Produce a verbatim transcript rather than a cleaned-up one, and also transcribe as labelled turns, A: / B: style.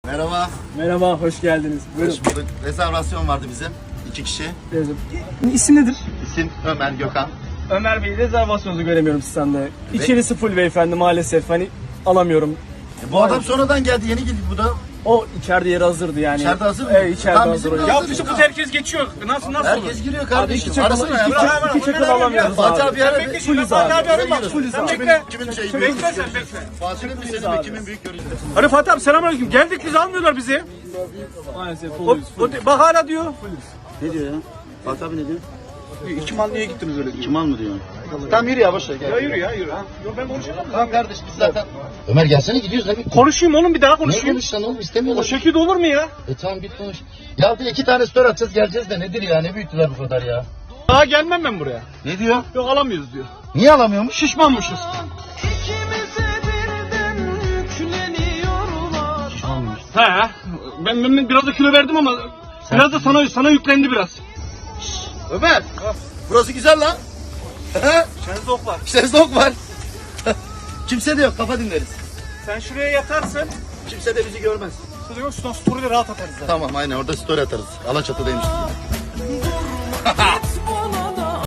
A: Merhaba.
B: Merhaba, hoş geldiniz. Buyurun.
A: Hoş bulduk. Rezervasyon vardı bizim. İki kişi.
B: Buyurun. İsim nedir?
A: İsim Ömer Gökhan.
B: Ömer Bey, rezervasyonunuzu göremiyorum sizden. İçerisi full beyefendi, maalesef hani alamıyorum.
A: E, bu adam sonradan geldi. Yeni geldi bu da.
B: O içeride yeri hazırdı yani.
A: İçeride hazır mı?
B: Evet, içeride
A: Tamam,
B: hazır.
A: bizim de
B: Ya
A: hazır.
B: fıçı
A: Ya.
B: herkes geçiyor. Nasıl nasıl olur?
A: Herkes giriyor
B: Abi
A: kardeşim.
B: iki çakal,
A: Arasana ya.
B: iki, çakal, iki çakal alamıyoruz
A: Fatih
B: abi.
A: abi ara.
B: Bekle, full Fatih abi arayın bak, full
A: Kimin,
B: abi.
A: kimin, kimin şeyi?
B: Bekle
A: büyük
B: sen,
A: görüşü?
B: bekle.
A: Fatih'in mi senin mi? Kimin büyük görüşü?
C: Hadi Fatih abi selamünaleyküm. Geldik biz almıyorlar bizi.
B: Maalesef
C: O,
B: fullüz.
C: o, bak hala diyor.
D: Ne diyor ya? Fatih abi ne diyor?
C: İki mal niye gittiniz öyle diyor.
D: Kim al mı diyor?
A: Tamam yürü ya boş ver.
C: Ya
A: Gel.
C: yürü ya yürü. Yok ben konuşamam.
A: Tamam kardeş biz zaten.
D: Ömer gelsene gidiyoruz abi.
C: Konuşayım oğlum bir daha
D: Ne
C: konuşayım.
D: konuşacaksın oğlum
C: O
D: istemiyorlar.
C: şekilde olur mu ya?
D: E tamam git konuş. Ya bir iki tane story atacağız geleceğiz de nedir ya ne büyüttüler bu kadar ya.
C: Daha gelmem ben buraya.
D: Ne diyor?
C: Yok alamıyoruz diyor.
D: Niye alamıyormuş?
C: Şişmanmışız.
E: İkimize birden yükleniyorlar.
C: He. Ben, ben biraz da kilo verdim ama biraz da sana sana yüklendi biraz.
A: Ömer. Burası güzel lan.
C: Şenzok var.
A: Şezlong var. Kimse de yok. Kafa dinleriz.
C: Sen şuraya yatarsın.
A: Kimse de bizi görmez.
C: Şurada yok story'de rahat atarız zaten.
A: Tamam aynen orada story atarız. Alaçatı'daymış.